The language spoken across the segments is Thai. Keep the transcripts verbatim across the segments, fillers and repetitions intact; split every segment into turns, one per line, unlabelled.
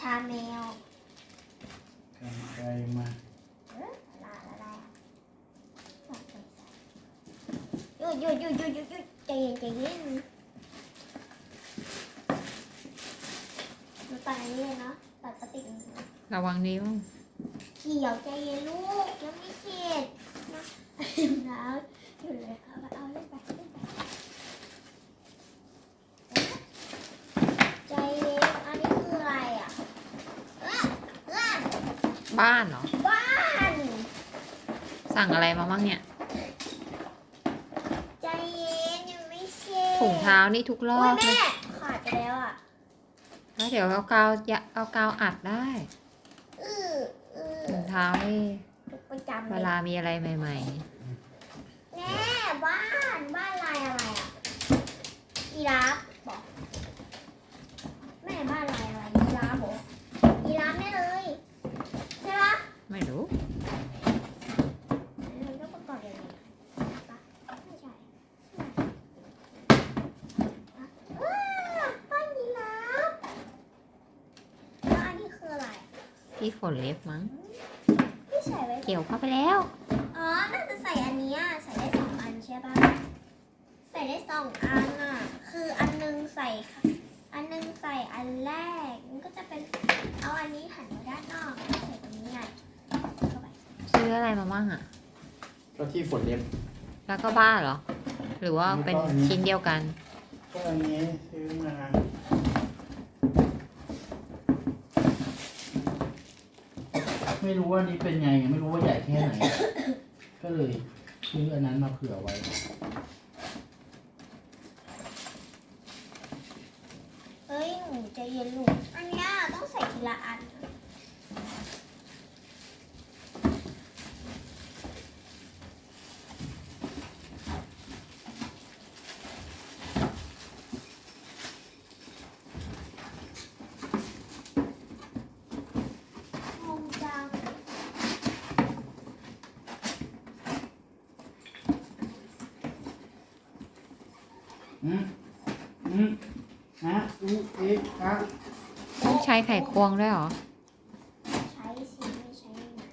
ชาแมว
กันไกลมา
เออลาละลาหยุดหยุดหยุดหยุดหยุดหยุดใจเย็นใจเย็นมาตัดอันนี้เลยเนาะตัดปฏิกิริยา
ระวังนิ้ว
เขียวใจเย็นลูกยังไม่เสร็จนะน้ำอยู่เลยเอาเอาเล่นไปเล่นไปใจเย็นอันนี้คืออะไรอ่ะเออเออ
บ้านเหรอ
บ้าน
สั่งอะไรมาบ้างเนี่ย
ใจเย็นยังไม่เสร็จ
ถุงเท้านี่ทุกรอบเลย
แม่ขาดไปแล้วอ่ะ
แล้วเดี๋ยวเอากาวเอากาวอัดได้
เออเออ
ถุงเท้านี่
ประจำ
เวลามีอะไรใหม่ๆ
แม่บ้านบ้านลายอะไรอ่ะยีราฟบอกแม่บ้านลายอะไรยีราฟบอกยีราฟแน่เลยใช่ปะ
ไม่รู้
มันก็ประกอบอย่างนี้ปะไม่ใช่ว้าวบ้านยีราฟแล้วอันนี้คืออะไร
ที่ขนเล็บมั้ง
ที่ใส่ไว้
เกี่ยวเข้าไปแล้ว
อ๋อน่าจะใส่อันนี้ใส่ได้สองอันใช่ปะใส่ได้สองอันอ่ะคืออันนึงใส่อันนึงใส่อันแรกมันก็จะเป็นเอาอันนี้หันมาด้านนอกแล้วใส่ตรงนี้ไงเข้าไป
ซื้ออะไรมาบ้างอ่ะ
ก็ที่ฝนเล็บ
แล้วก็บ้าเหรอหรือว่าเป็นชิ้นเดียวกัน
ก็อันนี้ซื้อมาไม่รู้ว่านี่เป็นไงไม่รู้ว่าใหญ่แค่ไหนก็เลยซื้ออันนั้นมาเผื่อไว้
เฮ้ยหนูใจเย็นลูกอันนี้ต้องใส่ทีละอันงงจัง
อืมอืมนะอูเอ๊ะอะ
ต้องใช้ไขควงด้วยเหรอ
ใช้สิไม่ใช้ยังไง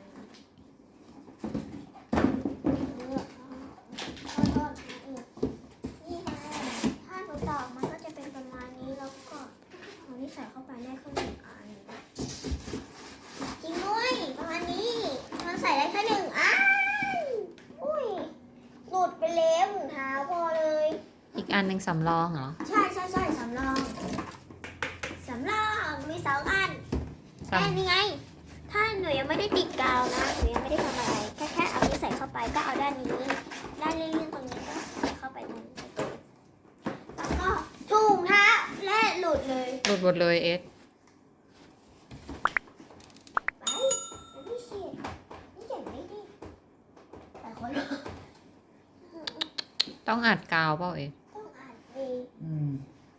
เออขอโทษนะเออนี่ไงถ้าหนูตอกมันก็จะเป็นประมาณนี้แล้วก็เอานี่ใส่เข้าไปได้แค่หนึ่งอันจริงด้วยประมาณนี้มันใส่ได้แค่หนึ่งอันอุ้ยหลุดไปแล้วถุงเท้าพอเลย
อีกอันหนึ่งสำรองเหรอ
ใช่ใช่ใช่สำรองสำรองมีสองอันแค่นี้ไงถ้าหนูยังไม่ได้ติดกาวนะหนูยังไม่ได้ทำอะไรแค่แค่เอานี้ใส่เข้าไปก็เอาด้านนี้ด้านเลื่อนๆตรงนี้ก็ใส่เข้าไปตรงประตูแล้วก็ถุงเท้าและหลุดเลย
หลุดหมดเลยเอส
ไปแล้วพี่เชียร์นี่เก่งไม่ดีแต่คน
ต้องอัดกาวเปล่าเอส
ต้องอ่านเอง
อืม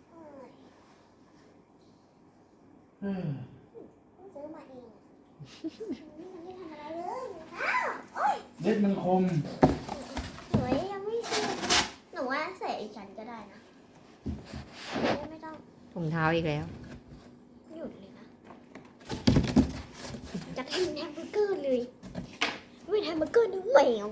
เออ
ซื้อมาเองมันไม่ทำอะไรเลยอ้าวโอ๊ย
เล็บมันคม
หนูยังไม่ซื้อหนูว่าใส่อีกชั้นก็ได้นะไม่ต้อง
ถุงเท้าอีกแล้ว
หยุดเลยนะจะทำแฮมเบอร์เกอร์เลยไม่แฮมเบอร์เกอร์นึกแมว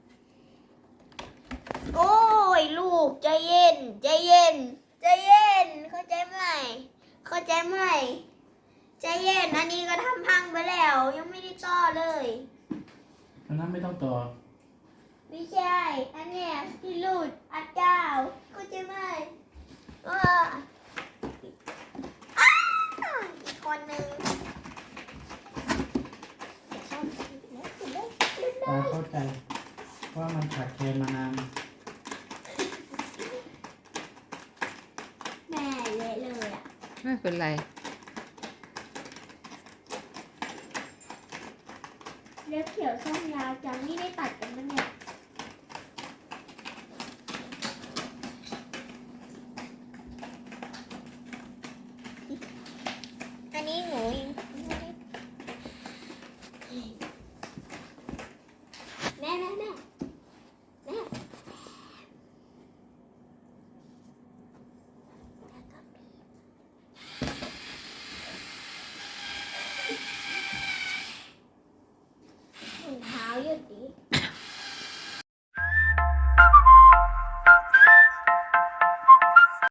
โอ้ยลูกใจเย็นใจเย็นใจเย็นเข้าใจไหมเข้าใจไหมใจเย็นอันนี้ก็ทำพังไปแล้วยังไม่ได้ต่อเลย
อันนั้นไม่ต้องต่อ
ไม่ใช่อันเนี้ยที่หลุดอัดเจ้าเข้าใจไหมเอออ้าอีกคนนึง
ตาเข้าใจว่ามันขาดแคลนมานาน
แม่เละเลยอ่ะ
ไม่เป็นไร
เล็บเขียวส้มยาวจังนี่ได้ตัดกันมั้ยเนี่ยอันนี้หนูแม่แม่แม่แม่ดี